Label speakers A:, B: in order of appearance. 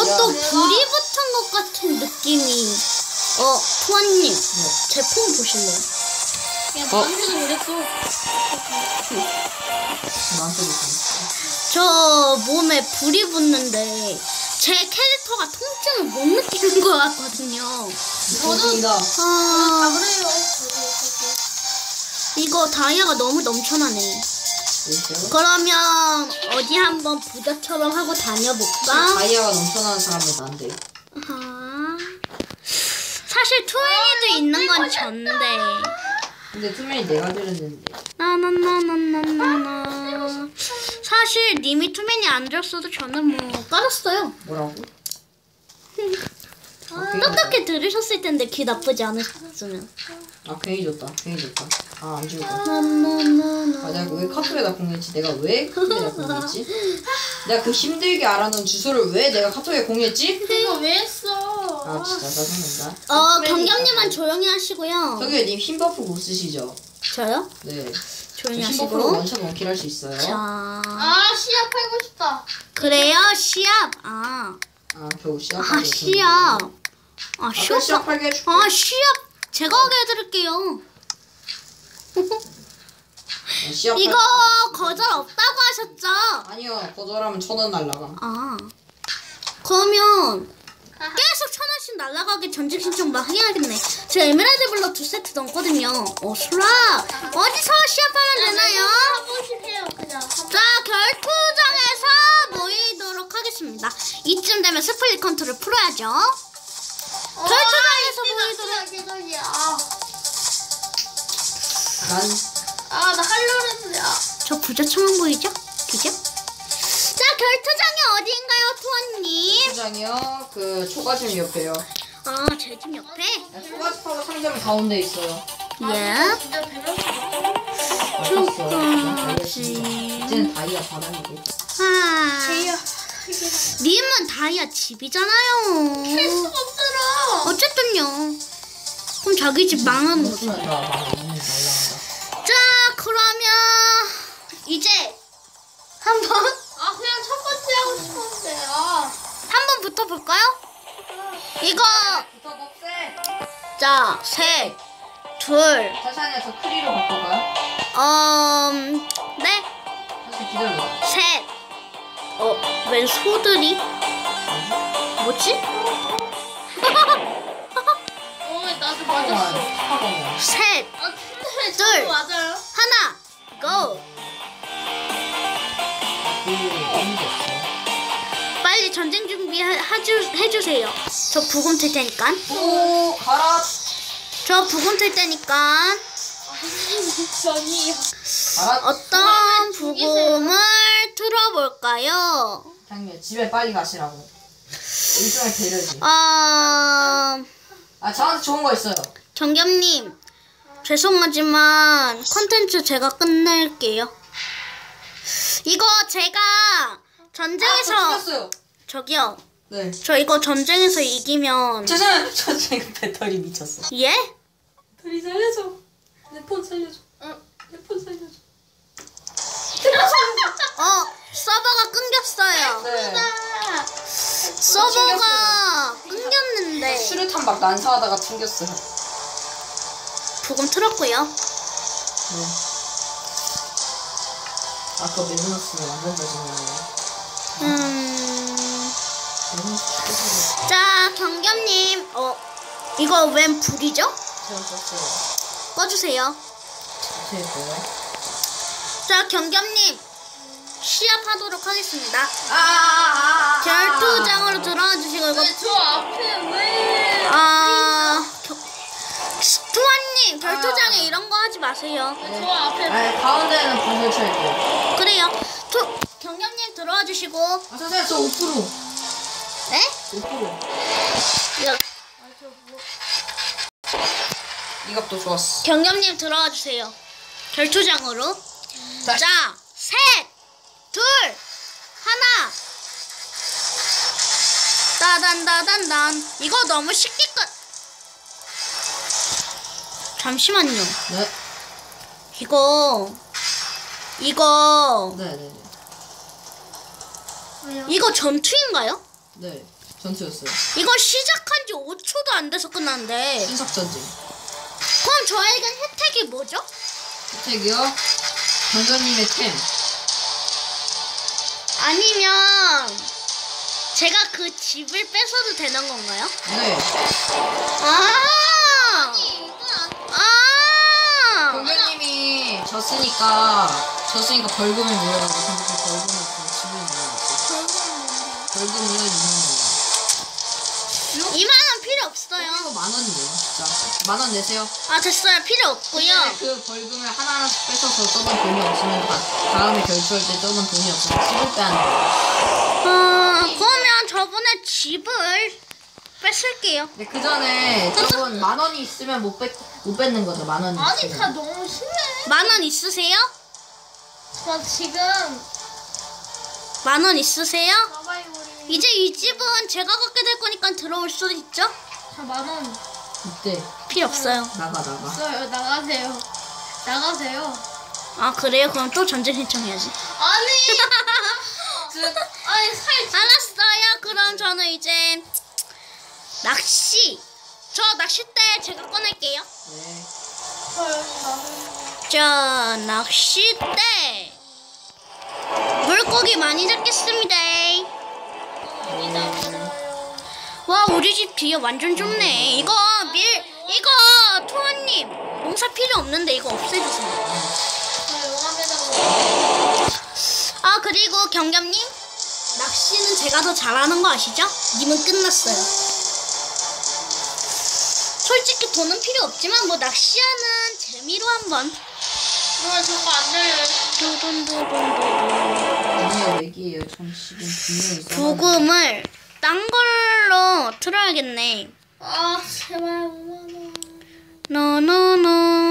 A: 또 불이 붙은 것 같은 느낌이. 투아님, 제 폰 보실래요?
B: 야, 나한테도 그랬어.
C: 나한테도 그랬어.
A: 저 몸에 불이 붙는데 제 캐릭터가 통증을 못 느끼는 것 같거든요.
C: 저도
B: 다 그래요.
A: 이거 다이아가 너무 넘쳐나네. 그러면 어디 한번 부자처럼 하고 다녀볼까?
C: 다이아가 넘쳐나는 사람은 난데.
A: 사실 투애니도 있는 건 전데.
C: 근데 투맨이 내가 들었는데.
A: 나나나나나나나. 사실 님이 투맨이 안 줬어도 저는 뭐 깔았어요.
C: 뭐라고?
A: 똑똑히 들으셨을 텐데 귀 나쁘지 않으셨으면.
C: 아 괜히 줬다. 괜히 줬다. 아 안 주고.
A: 나나나나.
C: 아 내가 왜 카톡에다 공유했지? 내가 왜 카톡에다 공유했지? 내가 그 힘들게 알아놓은 주소를 왜 내가 카톡에 공유했지?
B: 그거 왜 했어?
C: 아 진짜 짜증난다.
A: 경경님은 조용히 하시고요.
C: 저기 님 힘버프 못 쓰시죠?
A: 저요?
C: 네.
A: 조용히
C: 힘버프로
A: 하시고.
C: 원샷 원킬 할 수 있어요.
A: 자,
B: 시합 하고 싶다.
A: 그래요 시합.
C: 겨우 시합하고
A: 시합.
C: 시합 시합하게 해줄게.
A: 시합 제가 하게 해드릴게요.
C: 시합
A: 이거 거절 없다고 하셨죠?
C: 아니요. 거절하면 1000원 날라가.
A: 그러면 계속 1000원씩 날라가게 전직 신청 막 해야겠네. 저 에메랄드 블럭 2세트 넘거든요. 수락 어디서 시합하면 되나요?
B: 한 번씩 해요, 그냥.
A: 자, 결투장에서 모이도록 하겠습니다. 이쯤 되면 스플릿 컨트롤 풀어야죠. 결투장에서 모이도록.
B: 나 하려고 했는데.
A: 저 부자청한 보이죠? 그죠? 자, 결투장이 어디인가요, 투원님?
C: 포장이요. 그 초가집 옆에요.
A: 제 집 옆에?
C: 초가집하고 상점 가운데 있어요.
A: 예.
B: 진짜 배려서
C: 이제는 다이아 바닥이고.
A: 님은 다이아 집이잖아요.
B: 할 수가 없더라.
A: 어쨌든요. 그럼 자기 집 망하는 거죠.
C: 무슨 날라간다.
A: 자, 그러면 이제 한번
B: 그냥 첫 번째 하고 싶었는데.
A: 한번 붙어볼까요? 이거 자, 셋, 둘,
C: 사샤냐 저 크리로 바꿀까요?
A: 네,
C: 사실 기다려.
A: 셋. 웬 소들이? 뭐지?
B: 나도 맞았어.
A: 셋,
B: 근데
A: 둘.
B: 저도 맞아요.
A: 하나, 고! 빨리 전쟁 준비 해주세요. 저 부금 틀 테니까.
C: 가라.
A: 저 부금 틀 테니까.
B: 전이요.
C: 가라.
A: 어떤 부금을 틀어볼까요?
C: 장미야 집에 빨리 가시라고. 일종의 배려지. 저한테 좋은 거 있어요.
A: 정겸님, 죄송하지만 컨텐츠 제가 끝낼게요. 이거 제가 전쟁에서
C: 죽였어요.
A: 저기요.
C: 네.
A: 저 이거 전쟁에서 이기면
C: 죄송해요. 저 지금 배터리 미쳤어.
A: 예?
C: 배터리 살려줘. 내 폰 살려줘. 내 폰 살려줘.
A: 서버가 끊겼어요.
C: 네.
A: 서버가 끊겼는데
C: 수류탄 막 난사하다가 튕겼어요.
A: 부금 틀었고요.
C: 네. 아까 메르너스는 완전 잘생겼네요.
A: 자, 경겸님, 이거 웬 불이죠?
C: 제가 썼어요.
A: 꺼주세요.
C: 제 뭐야?
A: 자, 경겸님, 시합하도록 하겠습니다. 결투장으로 들어와 주시고 이거
B: 저 앞에 왜?
A: 투아님 결투장에 이런 거 하지 마세요.
B: 저 앞에
C: 가운데는 불 설치할게요.
A: 그래요. 경겸님 들어와 주시고.
C: 선생님 저 5%.
A: 네?
C: 5%. 이 값도 좋았어.
A: 경겸님 들어와 주세요. 결투장으로. 자, 셋, 둘, 하나. 따단따단단. 이거 너무 쉽게 끝. 잠시만요.
C: 네.
A: 이거
C: 네네네.
A: 이거 전투인가요?
C: 네, 전투였어요.
A: 이거 시작한 지 5초도 안 돼서 끝났는데.
C: 신석 전쟁.
A: 그럼 저에겐 혜택이 뭐죠?
C: 혜택이요? 경전님의 템.
A: 아니면 제가 그 집을 뺏어도 되는 건가요?
C: 네.
A: 아! 아!
C: 경전님이 졌으니까 벌금을 물어가지고 선택할 벌금을 준 집을 물어가지고. 벌금이요 2만
A: 2만원 필요 없어요.
C: 원. 이거 10,000원이에요, 진짜. 10,000원 내세요.
A: 아, 됐어요. 필요 없고요.
C: 그 벌금을 하나하나씩 뺏어서 써본 돈이 없으면 다음에 결투할 때 써본 돈이 없으면 집을 빼야 돼요.
A: 그러면 저번에 집을 뺏을게요.
C: 근데 그 전에 저건 10,000원이 있으면 못 뺏는 거죠. 10,000원이
B: 아니
C: 있으면.
B: 다 너무 심해.
A: 10,000원 있으세요?
B: 저 지금
A: 10,000원 있으세요?
B: 나가요 우리.
A: 이제 이 집은 제가 갖게 될 거니까 들어올 수도 있죠?
B: 자 10,000원
C: 이때
A: 필요 없어요.
C: 나가.
B: 있어요. 나가세요. 나가세요.
A: 아, 그래요? 그럼 또 전쟁 신청해야지.
B: 아니. 아니 살.
A: 알았어요. 그럼 저는 이제 저 낚싯대 제가 꺼낼게요.
C: 네.
A: 자, 낚싯대. 물고기 많이 잡겠습니다. 와, 우리 집 뒤에 완전 좁네. 이거 토아님 농사 필요 없는데 이거 없애주세요. 아, 그리고 경겸님, 낚시는 제가 더 잘하는 거 아시죠? 님은 끝났어요. 솔직히 돈은 필요 없지만 뭐 낚시하는 재미로 한번.
B: 저거 안 들려요.
C: 아니요, 얘기예요. 전 지금 분명히 써놨는데.
A: 부금을 딴 걸로 틀어야겠네.
B: 아 제발 5만원.
A: 노노노